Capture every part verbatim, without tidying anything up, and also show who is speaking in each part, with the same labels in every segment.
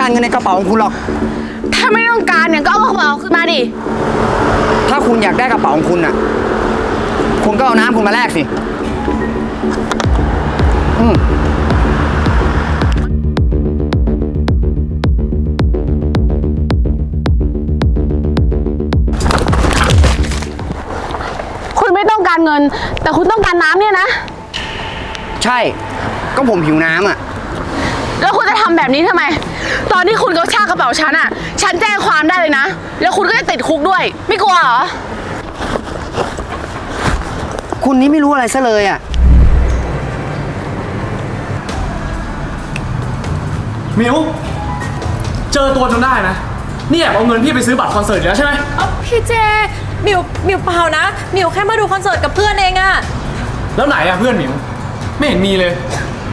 Speaker 1: เงินในกระเป๋าของคุณหรอก
Speaker 2: ถ้าไม่ต้องการเนี่ยก็เอากระเป๋าขึ้นมาดิ
Speaker 1: ถ้าคุณอยากได้กระเป๋าของคุณน่ะคุณก็เอาน้ำคุณมาแลกสิอืม
Speaker 2: คุณไม่ต้องการเงินแต่คุณต้องการน้ำเนี่ยนะ
Speaker 1: ใช่ก็ผมหิวน้ำอ่ะ
Speaker 2: แล้วคุณจะทำแบบนี้ทำไมตอนที่คุณกระชากกระเป๋าฉันอ่ะฉันแจ้งความได้เลยนะแล้วคุณก็จะติดคุกด้วยไม่กลัวเหรอ
Speaker 1: คุณนี่ไม่รู้อะไรซะเลยอ่ะ
Speaker 3: มิวเจอตัวจนได้นะนี่แอบเอาเงินพี่ไปซื้อบัตรคอนเสิร์ตแล้วใช่ไหม
Speaker 4: พี่เจมิวมิวเปล่านะมิวแค่มาดูคอนเสิร์ตกับเพื่อนเองอะ
Speaker 3: แล้วไหนอะเพื่อนมิวไม่เห็นมีเลย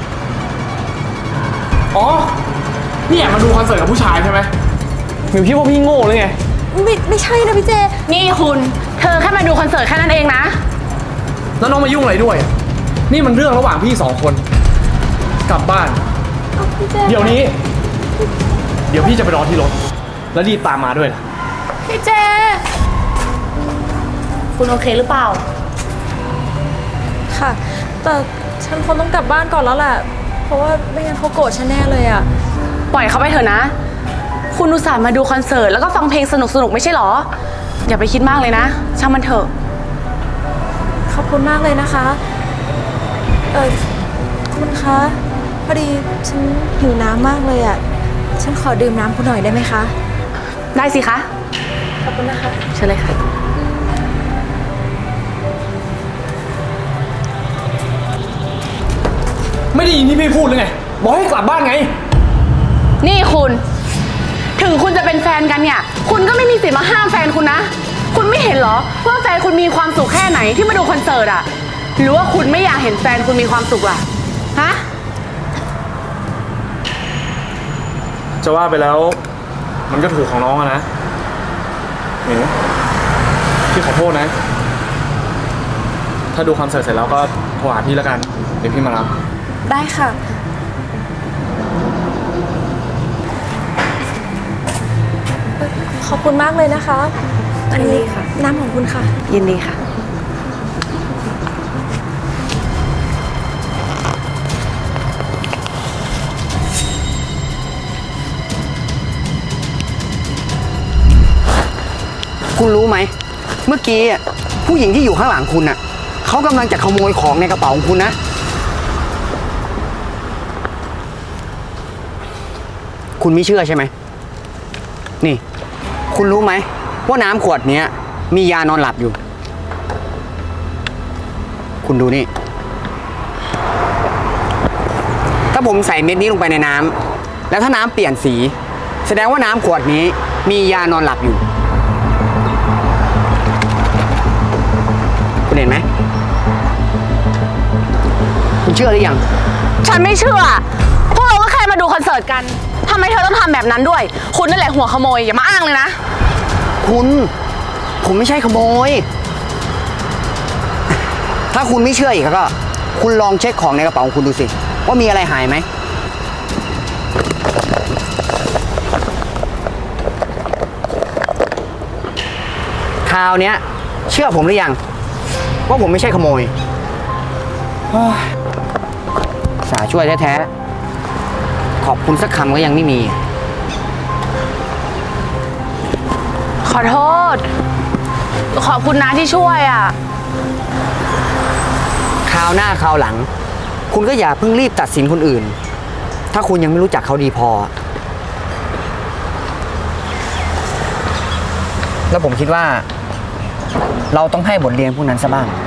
Speaker 3: อ๋อนี่แอบมาดูคอนเสิร์ตกับผู้ชายใช่ไหมมิวคิดว่าพี่โง่เลยไง
Speaker 4: ไม่ไม่ใช่นะพี่เจ
Speaker 2: นี่คุณเธอแค่มาดูคอนเสิร์ตแค่นั้นเองนะ
Speaker 3: แล้วน้องมายุ่งอะไรด้วยนี่มันเรื่องระหว่างพี่สองคนกลับบ้านเดี๋ยวนี้เดี๋ยวพี่จะไปรอที่รถแล้วรีบตามมาด้วยนะ
Speaker 4: พี่เจ
Speaker 2: คุณโอเคหรือเปล่า
Speaker 4: ค่ะแต่ฉันคงต้องกลับบ้านก่อนแล้วแหละเพราะว่าไม่งั้นเขาโกรธฉันแน่เลยอะ
Speaker 2: ปล่อยเขาไปเถอะนะคุณอุตส่าห์มาดูคอนเสิร์ตแล้วก็ฟังเพลงสนุกๆไม่ใช่หรออย่าไปคิดมากเลยนะช่างมันเถอะ
Speaker 4: ขอบคุณมากเลยนะคะเออคุณคะพอดีฉันหิวน้ำมากเลยอะฉันขอดื่มน้ำคุณหน่อยได้ไหมคะ
Speaker 2: ได้สิคะ
Speaker 4: ขอบคุณนะคะ
Speaker 2: เชิญเลยค่ะ
Speaker 3: ไม่ได้ยินที่พี่พูดเลยไงบอกให้กลับบ้านไง
Speaker 2: นี่คุณถึงคุณจะเป็นแฟนกันเนี่ยคุณก็ไม่มีสิทธิ์มาห้ามแฟนคุณนะคุณไม่เห็นเหรอว่าแฟนคุณมีความสุขแค่ไหนที่มาดูคอนเสิร์ตอะหรือว่าคุณไม่อยากเห็นแฟนคุณมีความสุขล่ะฮะ
Speaker 3: จะว่าไปแล้วมันก็ถูกของน้องอะนะหนูพี่ขอโทษนะถ้าดูคอนเสิร์ตเสร็จแล้วก็โทรหาพี่แล้วกันเดี๋ยวพี่มารับ
Speaker 4: ได้ค่ะขอบคุณมากเลยนะคะอันนี้ค่ะน้ำของคุณค่ะ
Speaker 2: ยินดีค่ะ
Speaker 1: คุณรู้ไหมเมื่อกี้ผู้หญิงที่อยู่ข้างหลังคุณน่ะเขากำลังจะขโมยของในกระเป๋าของคุณนะคุณไม่เชื่อใช่ไหมนี่คุณรู้ไหมว่าน้ำขวดนี้มียานอนหลับอยู่คุณดูนี่ถ้าผมใส่เม็ดนี้ลงไปในน้ำแล้วถ้าน้ำเปลี่ยนสีแสดงว่าน้ำขวดนี้มียานอนหลับอยู่คุณเห็นไหมคุณเชื่อหรือยัง
Speaker 2: ฉันไม่เชื่อพวกเราก็แค่มาดูคอนเสิร์ตกันทำไมเธอต้องทำแบบนั้นด้วยคุณนั่นแหละหัวขโมยอย่ามาอ้างเลยนะ
Speaker 1: คุณผมไม่ใช่ขโมยถ้าคุณไม่เชื่ออีกก็คุณลองเช็คของในกระเป๋าของคุณดูสิว่ามีอะไรหายไหมคราวนี้เชื่อผมหรือยังว่าผมไม่ใช่ขโมยสาช่วยแท้ๆขอบคุณสักคำก็ยังไม่มี
Speaker 2: ขอโทษขอบคุณนะที่ช่วยอ่ะ
Speaker 1: คราวหน้าคราวหลังคุณก็อย่าเพิ่งรีบตัดสินคนอื่นถ้าคุณยังไม่รู้จักเขาดีพอแล้วผมคิดว่าเราต้องให้บทเรียนพวกนั้นซะบ้าง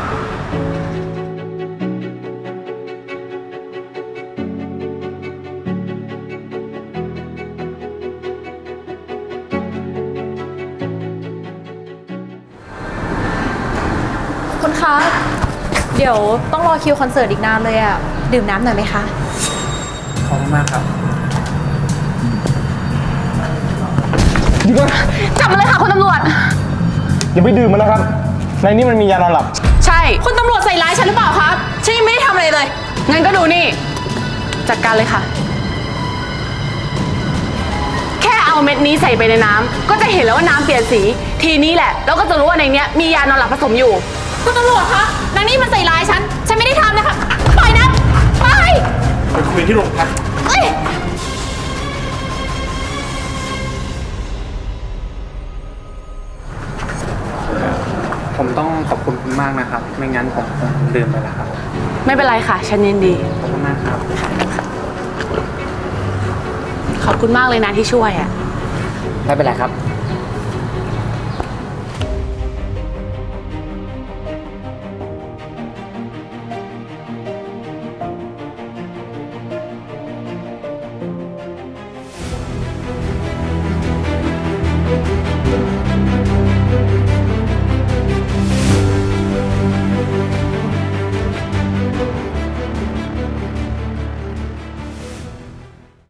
Speaker 4: คุณคะเดี๋ยวต้องรอคิวคอนเสิร์ตอีกนานเลยอะดื่มน้ำหน่อยไหมคะ
Speaker 3: ขอบคุณมากครับหยุดก่อน
Speaker 2: จับมาเลยค่ะคุณตำรวจ
Speaker 3: อย่าไปดื่มมันนะครับในนี้มันมียานอนหลับ
Speaker 2: ใช่
Speaker 4: คุณตำรวจใส่ร้ายฉันหรือเปล่าคะฉันยังไม่ได้ทำอะไรเลย
Speaker 2: งั้นก็ดูนี่จัดการเลยค่ะเอาเม็ดนี้ใส่ไปในน้ำก็จะเห็นแล้วว่าน้ำเปลี่ยนสี ทีนี้แหละเราก็จะรู้ว่าในเนี้ยมียานอนหลับผสมอยู่
Speaker 4: คุณตำรวจคะนางนี่มันใส่ร้ายฉัน ฉันไม่ได้ทำนะคะ ปล่อยนะ ไป
Speaker 3: ไปคุยที่โรงพัก
Speaker 4: เอ้ย
Speaker 5: ผมต้องขอบคุณคุณมากนะครับ ไม่งั้นผมคงลืมไปแล้วครับ
Speaker 2: ไม่เป็นไรค่ะ ฉันยินดี
Speaker 5: ขอบคุณมากครับ
Speaker 2: ขอบคุณมากเลยนะที่ช่วยอ่ะ
Speaker 1: ไม่เป็นไรครับ